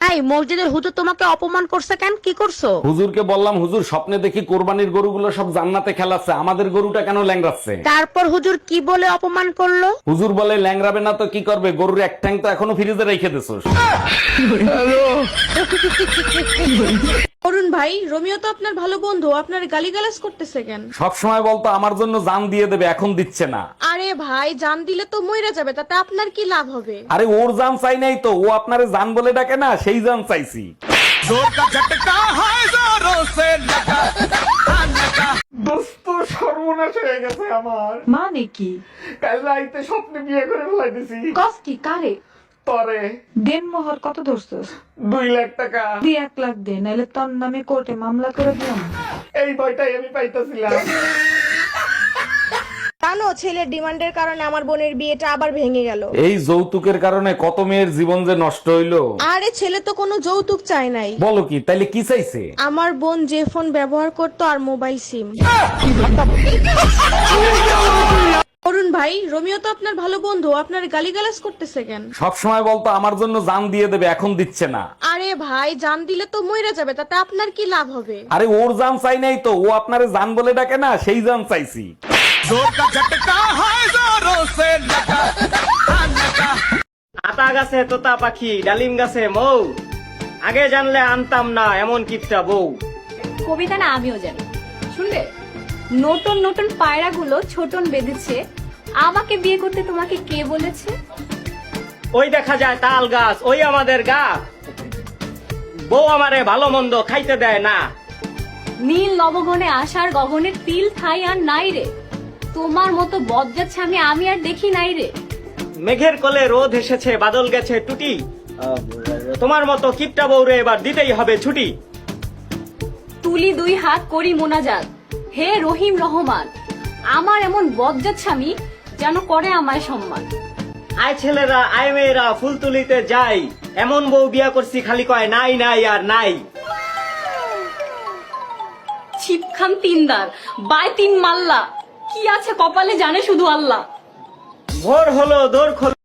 এই মসজিদের হুজুর তোমাকে অপমান করছে কেন? কি করছো? হুজুরকে বললাম, হুজুর স্বপ্নে দেখি কোরবানির গরুগুলো সব জান্নাতে খেলাচ্ছে, আমাদের গরুটা কেন ল্যাংড়াচ্ছে? তারপর হুজুর কি বলে অপমান করলো? হুজুর বলে, ল্যাংড়াবে না তো কি করবে, গরুর এক ঠ্যাং তো এখনো ফ্রিজে রেখে দিছোস। অরুণ ভাই, রোমিও তো আপনার ভালো বন্ধু, আপনার গালিগালাজ করতেছে কেন? সব সময় বলতো আমার জন্য জান দিয়ে দেবে, এখন দিচ্ছে না। আরে ভাই, জান দিলে তো মইরা যাবে, তাতে আপনার কি লাভ হবে? আরে ওর জান চাই নাই তো, ও আপনারে জান বলে ডাকে না, সেই জান চাইছি। দোস্ত সর্বনাশ হয়ে গেছে আমার। মানে কি? কাল রাইতে স্বপ্নে বিয়ে করে ফেলাইতেছি। কস কি কারে? তরে দেন মোহর কত ধরছস? 2 লাখ টাকা। তুই 1 লাখ দে, নাহলে তোর নামে কোর্টে মামলা করে দিলাম। এই ভয়টাই আমি পাইতেছিলাম। জানো, ছেলের ডিমান্ডের কারণে আমার বোনের বিয়েটা আবার ভেঙে গেল। এই যৌতুকের কারণে কত মেয়ের জীবন যে নষ্ট হইলো। আরে ছেলে তো কোনো যৌতুক চায় নাই। বলো কি, তাইলে কি চাইছে? আমার বোন যে ফোন ব্যবহার করতো আর মোবাইল সিম। অরুণ ভাই, রোমিও তো আপনার ভালো বন্ধু, আপনার গালিগালাজ করতেছে কেন? সব সময় বলতো আমার জন্য জান দিয়ে দেবে, এখন দিচ্ছে না। আরে ভাই, জান দিলে তো মইরা যাবে, তাতে আপনার কি লাভ হবে? আরে ওর জান চাই নাই তো, ও আপনারে জান বলে ডাকে না, সেই জান চাইছি। আতা গাছে তোতা পাখি, ডালিম গাছে মৌ, আগে জানলে আনতাম না এমন কিপটা বউ। কবিতা না আমিও জানি, শুনবে? নতুন নতুন পায়রাগুলো ছোটন বেঁধেছে, আমাকে বিয়ে করতে তোমাকে কে বলেছে? ওই দেখা যায় তাল গাছ, ওই আমাদের গা, বউ আমারে ভালো মন্দ খাইতে দেয় না। নীল নবগণে আসার গগনের তিল ঠাই আর নাই রে, তোমার মতো বজ্জাচ্ছে আমি আর দেখি নাই রে। মেঘের কোলে রোদ এসেছে, বাদল গেছে টুটি, তোমার মতো কিপটা বউরে এবার দিতেই হবে ছুটি। তুলি 2 হাত করি মোনাজাত, হে রহিম রহমান, আমার এমন বজ্জাচ্ছামি যেন করে আমায় সম্মান। আয় ছেলেরা, আয় মেয়েরা, ফুল তুলিতে যাই, এমন বউ বিয়া করছি খালি কয় নাই নাই আর নাই। ছিপখান 3 দার, বাই 3 মাল্লা, কি আছে কপালে জানে শুধু আল্লাহ। ভোর হলো দোর খোলো।